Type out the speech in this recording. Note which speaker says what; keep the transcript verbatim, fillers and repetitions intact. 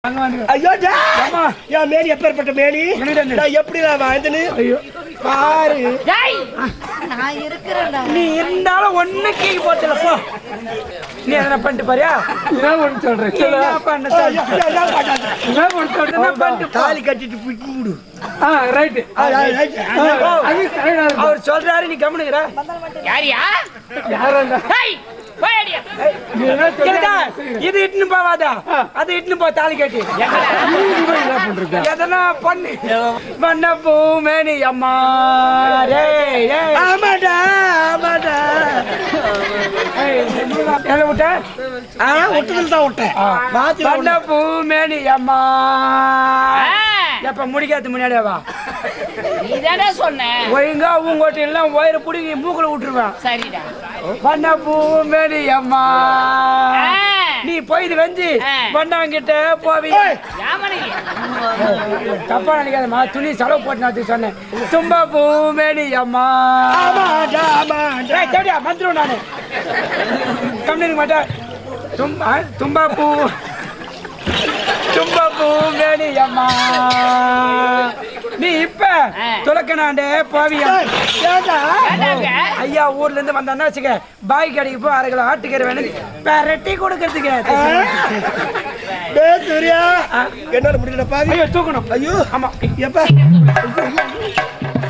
Speaker 1: ஐயோ என் மேனி எப்பேற்பட்ட மேனி நான் எப்படி நான் வாழ்ந்தேன்னு பாரு.
Speaker 2: நான் இருக்கிறேன்டா.
Speaker 3: நீ இருந்தாலும் ஒண்ணு கீழே போட்டல போ. நீ என்ன பண்ணிட்டு பாரியா?
Speaker 4: நான் ஒன்னு சொல்றேன்.
Speaker 3: என்ன பண்ண சொல்ற?
Speaker 4: நான் ஒன்னு சொல்றேன். நான் பண்ணிட்டு
Speaker 1: தாலி கட்டிட்டு புடி விடு.
Speaker 4: ஆ ரைட். அது கரெக்டா
Speaker 3: அவர் சொல்றாரு நீ கம்முனுங்கற.
Speaker 2: யாரியா?
Speaker 4: யாரடா?
Speaker 2: ஹேய் போய்டியா.
Speaker 4: நீ என்ன
Speaker 3: கேடா
Speaker 4: சொல்ற?
Speaker 3: இது இட்னு போவாதா? அது இட்னு போ தாலி கட்டி.
Speaker 4: நீ என்ன பண்றீங்க?
Speaker 3: எதனா பண்ணு. வண்ண பூமேனி அம்மா ரே ரே.
Speaker 1: ஆமாடா ஆமாடா.
Speaker 3: என்ன விட்ட?
Speaker 1: ஆ ஒட்டுதல் தான் விட்டேன். மாத்தி
Speaker 3: வண்ண பூமேனி அம்மா. எப்ப முடிக்காது முன்னாடியே வா.
Speaker 2: நீதானே சொன்ன.
Speaker 3: ஒழுங்கா உங்கோட்ட எல்லாம் ஒயரை புடிங்கி மூக்குல விட்டுருவேன்.
Speaker 2: சரிடா.
Speaker 3: வண்ண பூமேனி அம்மா. நீ போயிது வெஞ்சி வண்ணாங்கிட்ட போவி. தப்பா நினைக்காதம்மா, துணி செலவு போட்டு நான் சொன்னேன். தும்ப பூமேனி அம்மா.
Speaker 1: ஆமாடா ஆமாடா.
Speaker 3: ஏய் தேடியா வந்துரும் நானு. கம்மிங்க மாட்டேன். தும்பா தும்பா பூ தும்ப பூமேனி அம்மா. நீ இப்ப துலக்கணாண்டே போவியா?
Speaker 1: ஏடா
Speaker 3: ஐயா ஊர்ல இருந்து வந்தான்னா வச்சுக்க, பாய் கடைக்கு போய் அரை கிலோ ஆட்டுக்கறி வேணும் பெரட்டி கொடுக்கறதுக்கு.
Speaker 1: டேய் சூர்யா என்னால முடியல பாவி.
Speaker 3: ஐயோ தூக்கணும்.
Speaker 1: ஐயோ
Speaker 3: ஆமா
Speaker 1: எப்ப